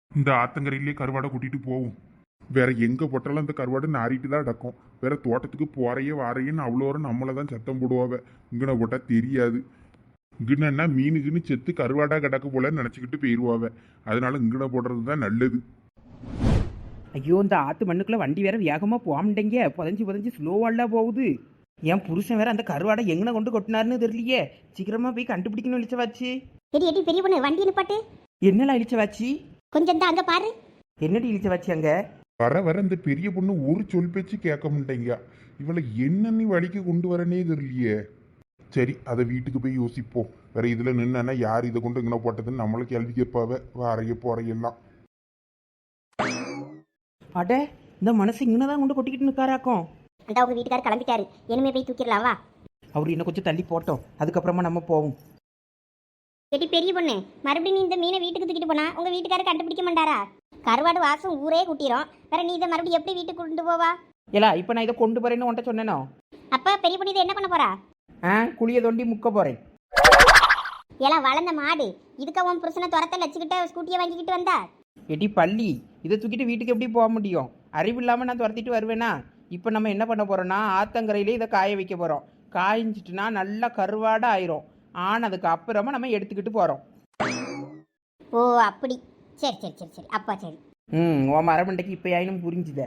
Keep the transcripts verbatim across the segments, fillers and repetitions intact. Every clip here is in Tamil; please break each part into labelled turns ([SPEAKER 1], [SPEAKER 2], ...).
[SPEAKER 1] இந்த ஆத்தங்கரையிலே கருவாடை கூட்டிட்டு போவோம். வேற எங்க போட்டாலும் அந்த கருவாடு நாரிட்டு தான் அடக்கும். வேற தோட்டத்துக்கு போறையே வாரையேன்னு அவ்வளோ நம்மளை தான் சத்தம் போடுவாவ. இங்கன போட்டா தெரியாது. இங்கன்னா மீனுக்குன்னு செத்து கருவாடா கிடக்கு போலன்னு நினச்சிக்கிட்டு போயிடுவாவ. அதனால இங்கன போடுறது தான் நல்லது.
[SPEAKER 2] ஐயோ, இந்த ஆற்று மண்ணுக்குள்ளே வண்டி வேற வேகமாக போகாமட்டேங்க. புதஞ்சி புதஞ்சி ஸ்லோவாலாம் போகுது. என் புருஷன் வேற அந்த கருவாடை எங்கே கொண்டு கொட்டினாருன்னு தெரியலையே. சீக்கிரமாக போய் கண்டுபிடிக்கணும் இழிச்சவாச்சு.
[SPEAKER 3] எடி எடி பெரிய பொண்ணு வண்டி நிப்பாட்டு.
[SPEAKER 2] என்னலாம் இழிச்சவாச்சு?
[SPEAKER 3] கொஞ்சம் தான் அங்கே பாரு.
[SPEAKER 2] என்னடி இழிச்சவாச்சு அங்கே?
[SPEAKER 1] வர வர இந்த பெரிய பொண்ணு ஒரு சொல் பேச்சு கேட்க மாட்டேங்க. இவளை என்ன நீ வழிக்கு கொண்டு வரனே தெரியலையே. சரி, அதை வீட்டுக்கு போய் யோசிப்போம். வேற இதுல நின்னா யார் இதை கொண்டு இங்கே போட்டதுன்னு நம்மள கேள்வி கேட்பாவ. வாரைய போறையெல்லாம்.
[SPEAKER 2] அட, இந்த மனசு இங்கே தான் கொண்டு கொட்டிக்கிட்டு நிற்காராக்கும்.
[SPEAKER 3] அந்த உங்க வீட்டுக்காரர் கிளம்பிட்டாரு. இனிமே போய் தூக்கிடலாம் வா.
[SPEAKER 2] அவர் இன்னும் கொஞ்சம் தள்ளி போட்டோம், அதுக்கப்புறமா நம்ம போவோம்.
[SPEAKER 3] எடி பெரிய பொண்ணு, மறுபடியும் நீ இந்த மீனை வீட்டுக்கு தூக்கிட்டு போனா உங்க வீட்டுக்காரர் கண்டுபிடிக்க மாட்டாரா? கருவாடு வாசம் ஊரே குட்டிரும். வேற நீ இதை மறுபடியும் எப்படி வீட்டுக்கு கொண்டு போவா?
[SPEAKER 2] ஏலா, இப்போ நான் இதை கொண்டு போறேன்னு உன்ட்ட சொன்னேனோ?
[SPEAKER 3] அப்ப பெரிய பொண்ணு இதை என்ன பண்ண போறா?
[SPEAKER 2] ஆ, குழியை தோண்டி முக்க போறேன்.
[SPEAKER 3] எல்லாம் வளர்ந்த மாடு இதுக்கு அவன் புருஷனை துரத்த லட்சிக்கிட்ட ஸ்கூட்டியை வாங்கிக்கிட்டு வந்தா.
[SPEAKER 2] எடி பள்ளி, இதை தூக்கிட்டு வீட்டுக்கு எப்படி போக முடியும்? அறிவு இல்லாமல் நான் துரத்திட்டு வருவேனா? இப்போ நம்ம என்ன பண்ண போறோம்னா, ஆத்தங்கரையிலே இதை காய வைக்க போறோம். காய்ஞ்சிட்டுனா நல்லா கருவாடை ஆயிரும். ஆனதுக்கு அப்புறமா நம்ம எடுத்துக்கிட்டு போறோம்.
[SPEAKER 3] ஓ அப்படி. சரி சரி சரி சரி அப்பா சரி.
[SPEAKER 2] ம் உன் மரமண்டைக்கு இப்போ ஆயினும் புரிஞ்சுத.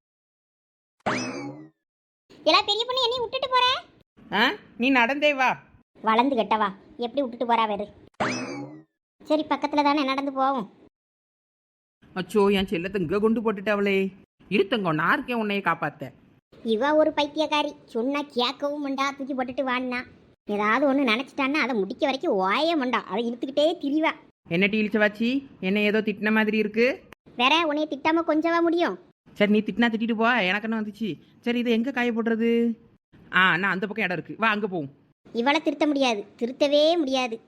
[SPEAKER 3] எல்லாம் பெரிய பொண்ணு என்னையும் விட்டுட்டு போற?
[SPEAKER 2] ஆ, நீ நடந்தே வா.
[SPEAKER 3] வளர்ந்து கெட்டவா எப்படி விட்டுட்டு போறா வேறு? சரி பக்கத்துல தானே நடந்து போவோம்.
[SPEAKER 2] அச்சோ, என் செல்லத்தை இங்கே கொண்டு போட்டுட்டாவளே. இருத்தங்கோ, நான் இருக்கேன் உன்னைய காப்பாத்த.
[SPEAKER 3] இவ ஒரு பைத்தியக்காரி. சொன்னா கேட்கவும் மண்டா, தூக்கி போட்டுட்டு வான்னா. ஏதாவது ஒன்று நினச்சிட்டான்னா அதை முடிக்க வரைக்கும் ஓய மண்டா. அதை இழுத்துக்கிட்டே திரிவா.
[SPEAKER 2] என்ன டீலிச்ச வாச்சி, என்ன ஏதோ திட்டின மாதிரி இருக்கு.
[SPEAKER 3] வேற உன்னைய திட்டாம கொஞ்சவா முடியும்?
[SPEAKER 2] சரி, நீ திட்டினா திட்டிட்டு போ, எனக்கு என்ன வந்துச்சு. சரி, இதை எங்கே காய போடுறது? ஆ, நான் அந்த பக்கம் இடம் இருக்கு, வா அங்கே போவோம்.
[SPEAKER 3] இவளை திருத்த முடியாது, திருத்தவே முடியாது.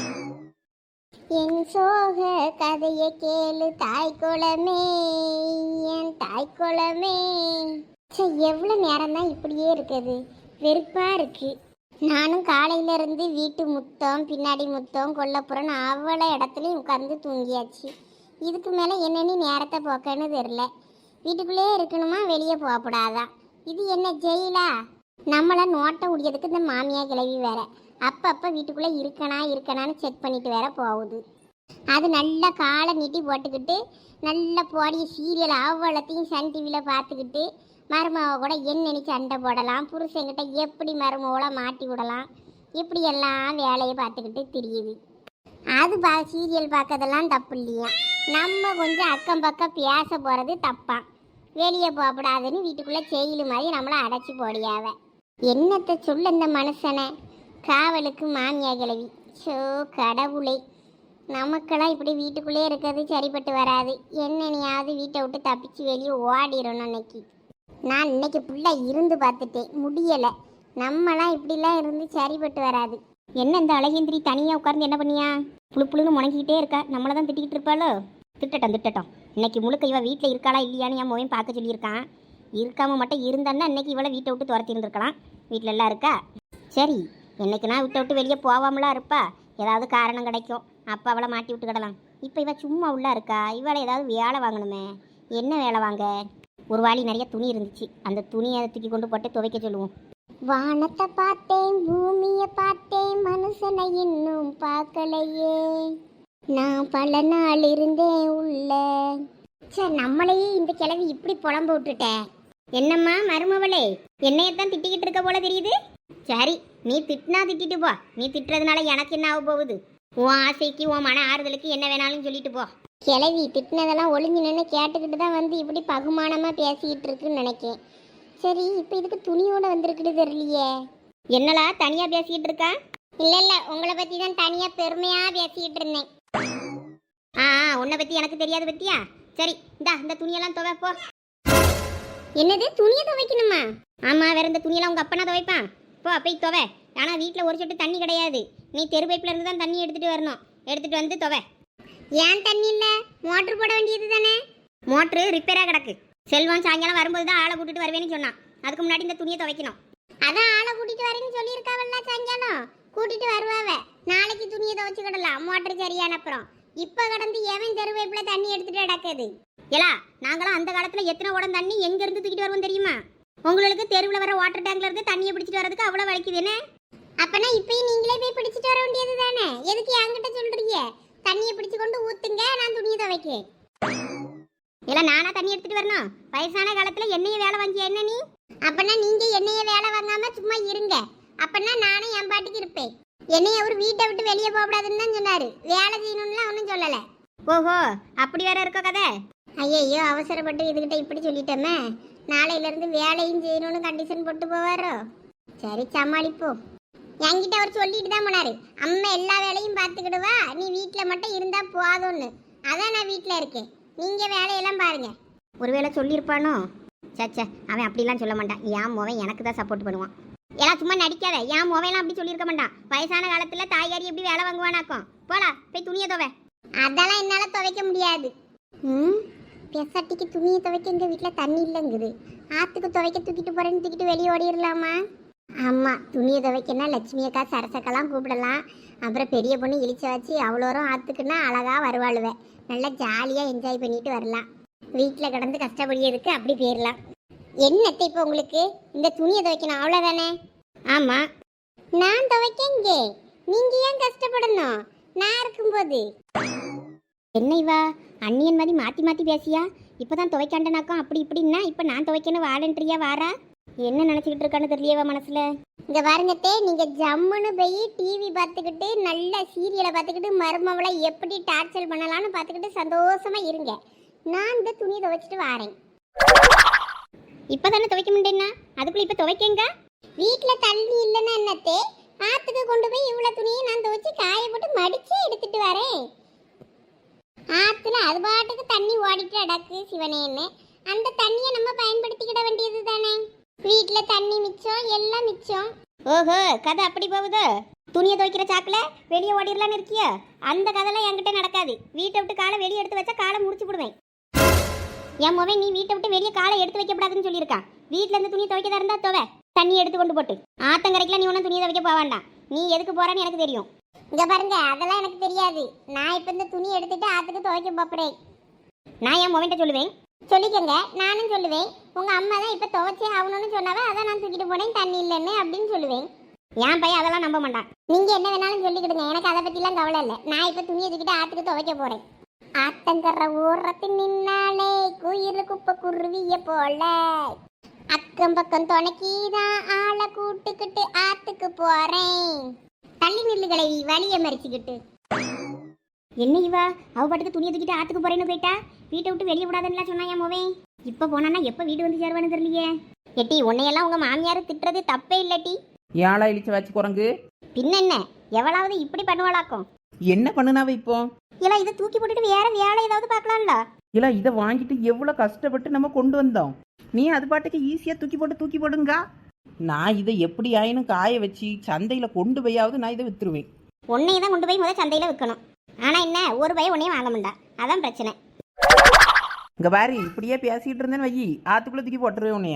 [SPEAKER 3] என் சோக கதையை கேளு தாய் குளமே, என் தாய் குளமே. எவ்வளோ நேரம் தான் இப்படியே இருக்குது, வெறுப்பா இருக்கு. நானும் காலையில இருந்து வீட்டு முத்தம் பின்னாடி முத்தம் கொல்லப்புறன்னு அவ்வளோ இடத்துலையும் உட்கார்ந்து தூங்கியாச்சு. இதுக்கு மேலே என்னென்னு நேரத்தை போக்கன்னு தெரில. வீட்டுக்குள்ளே இருக்கணுமா, வெளியே போகக்கூடாதான்? இது என்ன ஜெயிலா? நம்மளை நோட்டை உடையதுக்கு இந்த மாமியா கிளவி வேற அப்பப்போ வீட்டுக்குள்ளே இருக்கனா இருக்கனான்னு செக் பண்ணிட்டு வேற போகுது. அது நல்ல காலை நீட்டி போட்டுக்கிட்டு நல்ல போடிய சீரியல் அவ்வளோத்தையும் சன் டிவியில் பார்த்துக்கிட்டு மருமவை கூட என்னென்னு சண்டை போடலாம், புருஷங்கிட்ட எப்படி மருமவளை மாட்டி விடலாம், இப்படி எல்லாம் வேலையை பார்த்துக்கிட்டு தெரியுது. அது பா சீரியல் பார்க்கறதெல்லாம் தப்பு இல்லையா? நம்ம கொஞ்சம் அக்கம் பக்கம் பேச போகிறது தப்பான். வெளியே போகக்கூடாதுன்னு வீட்டுக்குள்ளே செயலு மாதிரி நம்மளை அடைச்சி போடியாவ. என்னத்தை சொல்ல இந்த மனுஷனை? காவலுக்கு மாமியா கிழவி. ஸோ கடவுளை, நமக்கெல்லாம் இப்படி வீட்டுக்குள்ளே இருக்கிறது சரிப்பட்டு வராது. என்னென்னையாவது வீட்டை விட்டு தப்பிச்சு வெளியே ஓடிடணும். இன்னைக்கு நான் இன்னைக்கு ஃபுல்லாக இருந்து பார்த்துட்டேன், முடியலை. நம்மலாம் இப்படிலாம் இருந்து சரிப்பட்டு வராது. என்ன இந்த அழகேந்திரி தனியாக உட்கார்ந்து என்ன பண்ணியா? புழு புழுன்னு முணங்கிக்கிட்டே இருக்கா. நம்மளை தான் திட்டிக்கிட்டு இருப்பாளோ? திட்டட்டும் திட்டட்டும். இன்னைக்கு முழுக்க இவள் வீட்டில் இருக்காளா இல்லையான்னு என் மோவையும் பார்க்க சொல்லியிருக்கான். இருக்காம மட்டும் இருந்தான்னா இன்னைக்கு இவளை வீட்டை விட்டு துரத்தி இருந்திருக்கலாம். வீட்டில் எல்லாம் இருக்கா. சரி, என்னைக்கு நான் விட்டை விட்டு வெளியே போகாமலாம் இருப்பா. ஏதாவது காரணம் கிடைக்கும், அப்போ அவளை மாட்டி விட்டுக்கிடலாம். இப்போ இவள் சும்மா உள்ளா இருக்கா. இவளை ஏதாவது வேலை வாங்கணுமே. என்ன வேலை வாங்க? ஒரு வாளி நிறைய துணி இருந்துச்சு, அந்த துணியை அதை தூக்கி கொண்டு போட்டு துவைக்க சொல்லுவோம். வானத்தை பார்த்தேன், பூமியை பார்த்தேன், மனுஷனை இன்னும் பார்க்கலையே, நான் பல நாள் இருந்தேன் உள்ள. சார், நம்மளையே இந்த கிழவி இப்படி புலம்ப விட்டுட்டேன். என்னம்மா மருமவளே, என்னையத்தான் திட்டிக்கிட்டு இருக்க போல தெரியுது. சரி, நீ திட்டினா திட்டிட்டு போ. நீ திட்டுறதுனால எனக்கு என்ன ஆக போகுது? உன் ஆசைக்கு உன் மன ஆறுதலுக்கு என்ன வேணாலும் சொல்லிட்டு போ. கிழவி திட்டினதெல்லாம் ஒளிஞ்சு நின்று கேட்டுக்கிட்டு தான் வந்து இப்படி பகுமானமாக பேசிக்கிட்டு இருக்குன்னு நினைக்கேன். சரி, இப்போ இதுக்கு துணியோட வந்திருக்குது தெரியலையே. என்னலா தனியாக பேசிக்கிட்டு இருக்கா? இல்லை இல்லை, உங்களை பற்றி தான் தனியாக பெருமையாக பேசிக்கிட்டு இருந்தேன். ஆ, உன்னை பற்றி எனக்கு தெரியாது பற்றியா? சரி, இந்தா இந்த துணியெல்லாம் துவைப்போ. என்னது, துணியை துவைக்கணுமா? ஆமாம், வேற இந்த துணியெல்லாம் உங்கள் அப்பனா துவைப்பான். போ போய் துவை. ஆனால் வீட்டில் ஒரு சொட்டு தண்ணி கிடையாது. நீ தெரு பைப்பில் இருந்து தான் தண்ணி எடுத்துகிட்டு வரணும். எடுத்துகிட்டு வந்து துவை. ஏன் தண்ணி இல்லை? மோட்ரு போட வேண்டியது தானே. மோட்ரு ரிப்பேராக கிடக்கு. செல்வம் சாயங்காலம் வரும்போது தான் ஆளை கூட்டிட்டு வருவேன்னு சொன்னான். அதுக்கு முன்னாடி இந்த துணியை துவைக்கணும். அதான் ஆளை கூட்டிட்டு வரேன்னு சொல்லியிருக்காவல்ல. சாயங்காலம் கூட்டிட்டு வருவாவ. நாளைக்கு துணியை துவைச்சுக்கிடலாம், மோட்ரு சரியான அப்புறம். இப்ப கடந்து எவன் தெருவேப்புல தண்ணி எடுத்துட்டு நடக்குது. ஏலா நாங்களாம் அந்த காலத்துல எத்தனை உடம் தண்ணி எங்க இருந்து தூக்கிட்டு வருவோம் தெரியுமா? உங்களுக்கு தெருவுல வர வாட்டர் டேங்க்ல இருந்து தண்ணியை பிடிச்சிட்டு வரதுக்கு அவ்வளவு வலிக்குது என்ன? அப்பனா இப்பயும் நீங்களே போய் பிடிச்சிட்டு வர வேண்டியது தானே? எதுக்கு என்கிட்ட சொல்றீங்க? தண்ணியை பிடிச்சு கொண்டு ஊத்துங்க, நான் துணியை துவைக்கேன். இல்ல நானா தண்ணி எடுத்துட்டு வரணும்? வயசான காலத்துல என்னைய வேலை வாங்கிய என்ன நீ? அப்பனா நீங்க என்னைய வேலை வாங்காம சும்மா இருங்க. அப்பனா நானும் என் பாட்டுக்கு இருப்பேன். என்னைய அவர் வீட்டை விட்டு வெளியே போகக்கூடாதுன்னு தான் சொன்னாரு. வேலை செய்யணும்லாம் ஒன்றும் சொல்லலை. ஓஹோ அப்படி வேற இருக்க கதை. ஐயோ அவசரப்பட்டு இதுகிட்ட இப்படி சொல்லிட்டோமே. நாளையில இருந்து வேலையும் செய்யணும்னு கண்டிஷன் போட்டு போவாரோ? சரி சமாளிப்போம். என்கிட்ட அவர் சொல்லிட்டு தான் போனாரு, அம்மா எல்லா வேலையும் பார்த்துக்கிடுவா, நீ வீட்டில் மட்டும் இருந்தா போதும்னு. அதான் நான் வீட்டில் இருக்கேன், நீங்க வேலையெல்லாம் பாருங்க. ஒருவேளை சொல்லியிருப்பானோ? சச்சா அவன் அப்படிலாம் சொல்ல மாட்டான். என் மோவன் எனக்கு தான் சப்போர்ட் பண்ணுவான். எல்லாம் சும்மா நடிக்காத. என் மோவெல்லாம் அப்படி சொல்லியிருக்க மாட்டான். வயசான காலத்துல தாயாரி எப்படி வேலை வாங்குவானாக்கும். போடா போய் துணியை துவை. அதெல்லாம் என்னால துவைக்க முடியாது. ம் பெசாட்டிக்கு துணியை துவைக்க எங்க வீட்டில் தண்ணி இல்லைங்குது. ஆத்துக்கு துவைக்க தூக்கிட்டு போறேன்னு தூக்கிட்டு வெளியே ஓடிடலாமா? ஆமா துணியை துவைக்கன்னா லட்சுமி அக்கா சரசக்கெல்லாம் கூப்பிடலாம். அப்புறம் பெரிய பொண்ணு இழிச்ச வச்சு அவ்வளோரும் ஆத்துக்குன்னா அழகா வருவாளுவேன். நல்லா ஜாலியா என்ஜாய் பண்ணிட்டு வரலாம். வீட்டில் கிடந்து கஷ்டப்படியதுக்கு அப்படி போயிடலாம். என்னத்தை இப்போ உங்களுக்கு இந்த துணியை துவைக்கணும் அவ்வளோதானே? ஆமா நான் துவைக்கங்க, நீங்க ஏன் கஷ்டப்படணும்? நான் இருக்கும்போது என்ன இவா அண்ணியன் மாதிரி மாற்றி மாற்றி பேசியா? இப்போ தான் துவைக்காண்டனாக்கும் அப்படி இப்படின்னா இப்போ நான் துவைக்கணும் வாலண்டரியா வாரா? என்ன நினச்சிக்கிட்டு இருக்கான்னு தெரியவா மனசில். இங்கே பாருங்கத்தே, நீங்கள் ஜம்முன்னு போய் டிவி பார்த்துக்கிட்டு நல்ல சீரியலை பார்த்துக்கிட்டு மருமவளை எப்படி டார்ச்சர் பண்ணலான்னு பார்த்துக்கிட்டு சந்தோஷமாக இருங்க. நான் இந்த துணியை துவைச்சிட்டு வாரேன். இப்போ தானே துவைக்க முடியும்னா அதுக்குள்ளே இப்போ துவைக்கங்க. வீட்டில் தண்ணி இல்லைன்னா என்னத்தே, ஆற்றுக்கு கொண்டு போய் இவ்வளோ துணியை நான் துவைச்சி காய போட்டு மடித்து எடுத்துட்டு வரேன். ஆற்றுல அது பாட்டுக்கு தண்ணி ஓடிட்டு அடக்கு சிவனேன்னு. அந்த தண்ணியை நம்ம பயன்படுத்திக்கிட வேண்டியது தானே. வீட்டில் தண்ணி மிச்சம் எல்லாம் மிச்சம். ஓஹோ கதை அப்படி போகுதோ? துணியை துவைக்கிற சாக்கில் வெளியே ஓடிடலான்னு இருக்கியோ? அந்த கதைலாம் என்கிட்ட நடக்காது. வீட்டை விட்டு காலை வெளியே எடுத்து வச்சா காலை முடிச்சு போடுவேன். என் மொபைல் நீ வீட்டை விட்டு வெளியே காலை எடுத்து வைக்கப்படாதுன்னு சொல்லியிருக்கான். வீட்டில் இருந்து துணி துவைக்கதா இருந்தா துவை, தண்ணி எடுத்து கொண்டு போட்டு. ஆத்தங்கரைக்கெல்லாம் நீ ஒன்றும் துணியை துவைக்க போக வேண்டாம். நீ எதுக்கு போறான்னு எனக்கு தெரியும். இங்க பாருங்க அதெல்லாம் எனக்கு தெரியாது. நான் இப்போ இந்த துணி எடுத்துட்டு ஆத்துக்கு துவைக்க போறேன். நான் என் மொபைல்கிட்ட சொல்லுவேன். சொல்லிக்கங்க, நானும் சொல்லுவேன். உங்க அம்மா தான் இப்போ துவைச்சே ஆகணும்னு சொன்னாவே அதான் நான் தூக்கிட்டு போனேன் தண்ணி இல்லைன்னு அப்படின்னு சொல்லுவேன். என் பையன் அதெல்லாம் நம்ப மாட்டான். நீங்க என்ன வேணாலும் சொல்லிக்கிடுங்க, எனக்கு அதை பற்றிலாம் கவலை இல்லை. நான் இப்போ துணியை தூக்கிட்டு ஆத்துக்கு துவைக்க போறேன். ஆத்தங்கர ஊரத்து நின்னாலே குயில் குப்பை குருவிய போல அக்கம் பக்கம் துணைக்கிதான் ஆளை கூட்டுக்கிட்டு ஆத்துக்கு போறேன். தள்ளி நில்லுகளை வலிய மறிச்சுக்கிட்டு. என்ன இவா அவ பாட்டுக்கு துணியை தூக்கிட்டு ஆத்துக்கு போறேன்னு போயிட்டா? வீட்டை விட்டு வெளியே விடாதுன்னு சொன்னா என் மோவே. இப்ப போனானா எப்ப வீடு வந்து சேருவான்னு தெரியலையே. எட்டி உன்னையெல்லாம் உங்க மாமியார் திட்டுறது தப்பே இல்லட்டி.
[SPEAKER 2] ஏழா இழிச்ச வச்சு குரங்கு
[SPEAKER 3] பின்ன என்ன எவ்வளவு இப்படி பண்ணுவாளாக்கும்?
[SPEAKER 2] என்ன பண்ணுனாவ இப்போ?
[SPEAKER 3] இல்ல இதை தூக்கி போட்டுட்டு வேற வேலை ஏதாவது பார்க்கலாம்ல.
[SPEAKER 2] இல்ல இதை வாங்கிட்டு எவ்வளோ கஷ்டப்பட்டு நம்ம கொண்டு வந்தோம். நீ அது பாட்டுக்கு ஈஸியாக தூக்கி போட்டு தூக்கி போடுங்க. நான் இதை எப்படி ஆயினும் காய வச்சு சந்தையில் கொண்டு போயாவது நான் இதை வித்துருவேன்.
[SPEAKER 3] உன்னையை தான் கொண்டு போய் முதல் சந்தையில் விற்கணும். ஆனால் என்ன ஒரு பையன் உன்னையும் வாங்க மாட்டா, அதான் பிரச்சனை.
[SPEAKER 2] இங்கே பாரு இப்படியே பேசிக்கிட்டு இருந்தேன்னு வை, ஆத்துக்குள்ளே தூக்கி போட்டுருவேன் உன்னைய.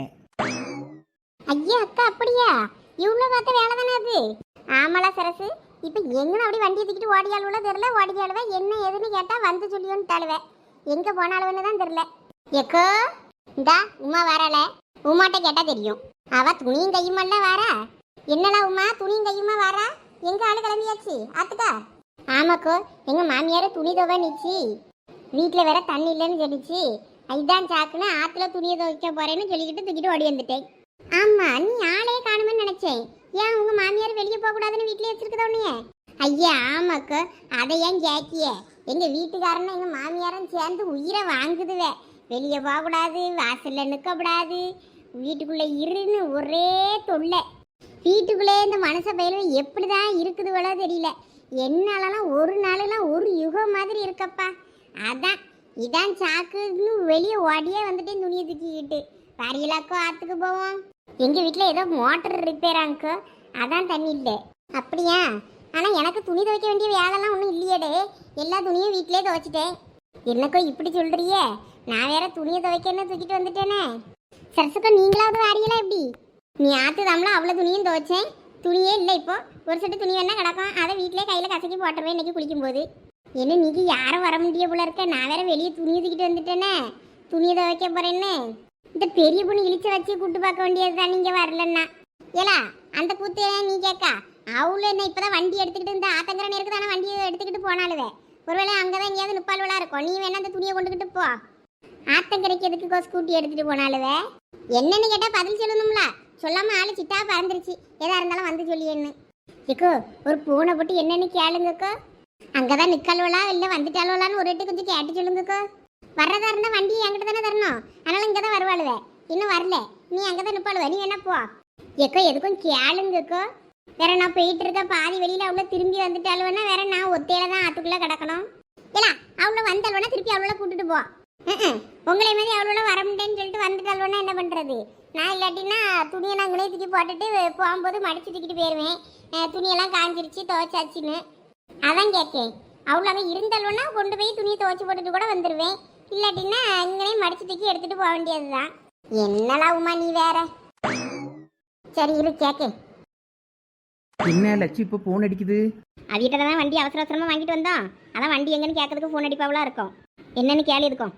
[SPEAKER 3] ஐயா அக்கா அப்படியா? இவ்வளோ பார்த்த வேலை தானே அது. ஆமாலா சரசு, இப்போ எங்கே அப்படி வண்டியை தூக்கிட்டு ஓடியாளுவோ தெரில. ஓடியாளுவ என்ன ஏதுன்னு கேட்டால் வந்து சொல்லியோன்னு தாளுவேன். எங்கே போனாலுன்னு தான் தெரில. எக்கோ இந்தா உமா வரால. உமாட்ட கேட்டால் தெரியும். அவ துணியும் கையுமெல்லாம் வாரா. என்னடா உமா துணியும் கையுமா வாரா? எங்க ஆளு கிளம்பியாச்சு ஆத்துக்கா? ஆமாக்கோ, எங்க மாமியார துணி துவை நிச்சு. வீட்டில் வேற தண்ணி இல்லைன்னு சொல்லிச்சு. இதுதான் சாக்குன்னு ஆத்துல துணியை துவைக்க போறேன்னு சொல்லிக்கிட்டு தூக்கிட்டு ஓடி வந்துட்டேன். ஆமா நீ ஆளே காணுமேன்னு நினைச்சேன். ஏன் உங்க மாமியார் வெளியே போக கூடாதுன்னு வீட்லயே வச்சிருக்கதா உன்னைய? ஐயா ஆமாக்கோ, அதை ஏன் கேக்கிய? எங்க வீட்டுக்காரனும் எங்க மாமியாரும் சேர்ந்து உயிரை வாங்குதுவே. வெளியே போகக்கூடாது, வாசல்ல நிற்கக்கூடாது, வீட்டுக்குள்ளே இருன்னு ஒரே தொல்லை. வீட்டுக்குள்ளே இந்த மனச பயில எப்படிதான் இருக்குதுவளோ தெரியல. என்னாலலாம் ஒரு நாளெல்லாம் ஒரு யுகம் மாதிரி இருக்கப்பா. அதான் இதான் சாக்குன்னு வெளியே ஓடியே வந்துட்டேன் துணியை தூக்கிக்கிட்டு. வரையிலாக்கோ ஆற்றுக்கு போவோம். எங்கள் வீட்டில் ஏதோ மோட்டர் ரிப்பேர் ஆங்கோ, அதான் தண்ணி இல்லை. அப்படியா? ஆனால் எனக்கு துணி துவைக்க வேண்டிய வேலைலாம் ஒன்றும் இல்லையேடே. எல்லா துணியும் வீட்டிலே துவைச்சிட்டேன். என்னக்கோ இப்படி சொல்கிறியே? நான் வேற துணியை துவைக்கன்னு தூக்கிட்டு வந்துட்டேனே. சரசுக்கா நீங்களாவது வாரியலாம் எப்படி? நீ ஆற்று தாமலாம் அவ்வளோ துணியும் துவைச்சேன், துணியே இல்லை. இப்போ ஒரு செட்டு துணி வேணா கிடக்கும், அதை வீட்டிலே கையில் கசக்கி போட்டுருவேன் இன்னைக்கு குளிக்கும்போது. என்ன நீங்க யாரும் வர முடிய போல இருக்க, நான் வேற வெளியே துணி தூக்கிட்டு வந்துட்டேனே, துணியை துவைக்க போறேன்னு. இந்த பெரிய பொண்ணு இழிச்ச வச்சு கூட்டு பார்க்க வேண்டியதுதான் நீங்க வரலன்னா. ஏலா அந்த கூத்து நீ கேட்கா, அவளு என்ன இப்பதான் வண்டி எடுத்துக்கிட்டு இந்த ஆத்தங்கர நேருக்கு தானே வண்டியை எடுத்துக்கிட்டு போனாலுவே, ஒருவேளை அங்கதான் எங்கேயாவது நுப்பால்வலா இருக்கும். நீ வேணா அந்த துணியை கொண்டுகிட்டு போ. ஆத்தங்கரைக்கு எதுக்கு ஸ்கூட்டி எடுத்துட்டு போனாலுவே என்னன்னு கேட்டா பதில் சொல்லணும்ல, சொல்லாம ஆளு சிட்டா பறந்துருச்சு. எதா இருந்தாலும் வந்து சொல்லியன்னு. ஏக்கோ ஒரு பூனை போட்டு என்னன்னு கேளுங்கக்கோ, அங்கதான் நிக்கல்வலா இல்லை வந்துட்டாலுவலான்னு ஒரு எட்டு கொஞ்சம் கேட்டு சொல்லுங்கக்கோ. வர்றதா இருந்தா வண்டி என்கிட்ட தானே தரணும், அதனால இங்கதான் வருவாளுவே. இன்னும் வரல, நீ அங்கதான் நிப்பாளுவ, நீ வேணா போ. ஏக்கோ எதுக்கும் கேளுங்கக்கோ. வேற நான் போயிட்டு இருக்க பாதி வெளியில அவ்வளோ திரும்பி வந்துட்டாலுவேன்னா வேற நான் ஒத்தையில தான் ஆத்துக்குள்ள கிடக்கணும். இல்ல அவ்வளோ வந்தாலுவேனா திருப்பி அவ்வளோ கூட்டிட்டு போ. உங்களை மாதிரி அவ்வளோ வர முடியேன்னு சொல்லிட்டு வந்துட்டாலுவேனா என்ன பண்றது? நான் இல்லாட்டினா துணியை நான் அங்கனே தூக்கி போட்டுட்டு போகும்போது மடிச்சு தூக்கிட்டு போயிடுவேன். துணியெல்லாம் காஞ்சிருச்சு துவைச்சாச்சுன்னு அதான் கேட்கேன். அவ்வளோ இருந்தாலும்னா கொண்டு போய் துணியை துவைச்சி போட்டுட்டு கூட வந்துடுவேன். இல்லாட்டின்னா இங்கனே மடிச்சு தூக்கி எடுத்துட்டு போக வேண்டியதுதான். என்னலாம் உமா நீ வேற. சரி இரு கேட்கேன்.
[SPEAKER 2] என்ன லட்சு இப்போ ஃபோன் அடிக்குது?
[SPEAKER 3] அவிட்ட தான் வண்டி அவசர அவசரமா வாங்கிட்டு வந்தோம், அதான் வண்டி எங்கன்னு கேட்கறதுக்கு ஃபோன் அடிப்பாவளா இருக்கும். என்னன்னு கேள்வி இருக்கும்.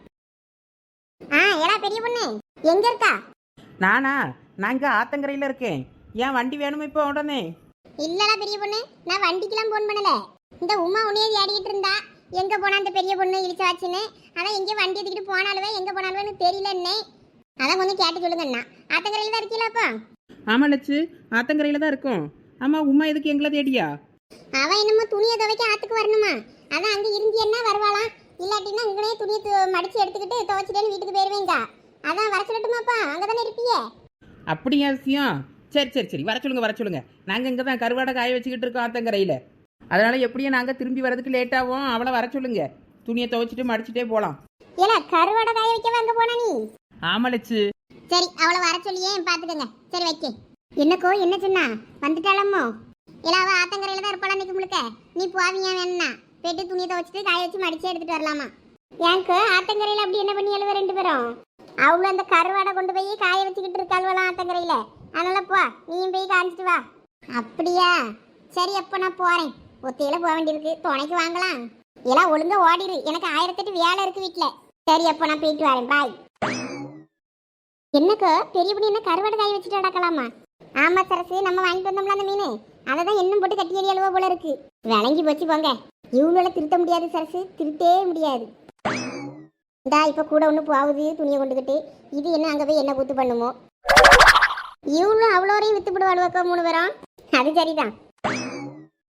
[SPEAKER 3] ஆ ஏடா பெரிய பொண்ணு எங்க இருக்கா?
[SPEAKER 2] நானா? நான் இங்கே ஆத்தங்கரையில் இருக்கேன். ஏன் வண்டி வேணுமா இப்போ உடனே?
[SPEAKER 3] இல்லடா பெரிய பொண்ணு, நான் வண்டிக்கெல்லாம் ஃபோன் பண்ணல. இந்த உமா உன்னையே தேடிக்கிட்டு இருந்தா, எங்க போனா அந்த பெரிய பொண்ணு இழிச்சாச்சுன்னு. அதான் எங்கேயும் வண்டி எடுத்துக்கிட்டு போனாலுவே எங்க போனாலுவேன்னு தெரியலன்னே. அதான் கொஞ்சம் கேட்டு சொல்லுங்கண்ணா. ஆத்தங்கரையில் தான் இருக்கீங்களாப்பா?
[SPEAKER 2] ஆமாம் லட்சு, ஆத்தங்கரையில் தான் இருக்கும். ஆமாம், உமா எதுக்கு எங்களை தேடியா?
[SPEAKER 3] அவன் என்னமோ துணியை துவைக்க ஆத்துக்கு வரணுமா, அதான் அங்கே இருந்தியன்னா வருவாளாம். இல்லாட்டின்னா இங்கனே துணியை மடிச்சு எடுத்துக்கிட்டு துவைச்சிட்டேன்னு வீட்டுக்கு போயிருவேங்க. அதான் வர சொல்லட்டுமாப்பா, அங்கே தானே இருப்பியே.
[SPEAKER 2] அப்படியா விஷயம்? சரி சரி சரி, வர சொல்லுங்க வர சொல்லுங்க. நாங்கள் இங்கே தான் கருவாடை காய வச்சுக்கிட்டு இருக்கோம் ஆத்தங்கரையில். அதனால் எப்படியும் நாங்கள் திரும்பி வரதுக்கு லேட் ஆகும். அவளை வர சொல்லுங்க, துணியை துவைச்சிட்டு மடிச்சுட்டே போகலாம்.
[SPEAKER 3] ஏல கருவாடை காய வைக்க அங்கே போனா நீ?
[SPEAKER 2] ஆமாம் லட்சு.
[SPEAKER 3] சரி அவளை வர சொல்லியே பார்த்துக்கங்க. சரி வைக்க. என்னக்கோ என்ன சொன்னா வந்துட்டாளம்மோ? இல்லாவ ஆத்தங்கரையில் தான் இருப்பாளா நிற்க முழுக்க. நீ போவீங்க வேணா போயிட்டு துணியை துவைச்சிட்டு காய வச்சு மடிச்சு எடுத்துட்டு வரலாமா? எனக்கு ஆத்தங்கரையில் அப்படி என்ன பண்ணி எழுவ ரெண்டு பேரும்? அவ்வளோ அந்த கருவாடை கொண்டு போய் காய வச்சுக்கிட்டு இருக்காள்வலாம் ஆத்தங்கரையில். அதனால போ, நீயும் போய் காய்ச்சிட்டு வா. அப்படியா? சரி அப்போ நான் போகிறேன். ஒத்தையில போக வேண்டியிருக்கு, துணைக்கு வாங்கலாம். எல்லாம் ஒழுங்கா ஓடிடு, எனக்கு ஆயிரத்தெட்டு வேலை இருக்கு வீட்டில். சரி அப்போ நான் போயிட்டு வரேன், பாய். என்னக்கோ பெரிய பண்ணி என்ன கருவாடை காய வச்சுட்டு அடக்கலாமா? ஆமா சரசு, நம்ம வாங்கிட்டு வந்தோம்ல அந்த மீன், அதை தான் இன்னும் போட்டு கட்டி எறி அழுவா போல இருக்கு. விளங்கி போச்சு போங்க. இவ்வளோ திருத்த முடியாது சரசு, திருத்தே முடியாது. இந்தா இப்போ கூட ஒன்று போகுது துணியை கொண்டுக்கிட்டு. இது என்ன அங்கே போய் என்ன கூத்து பண்ணுமோ? இவ்வளோ அவ்வளோரையும் வித்து போடுவாளுவாக்கோ மூணு பேரும். அது சரிதான்.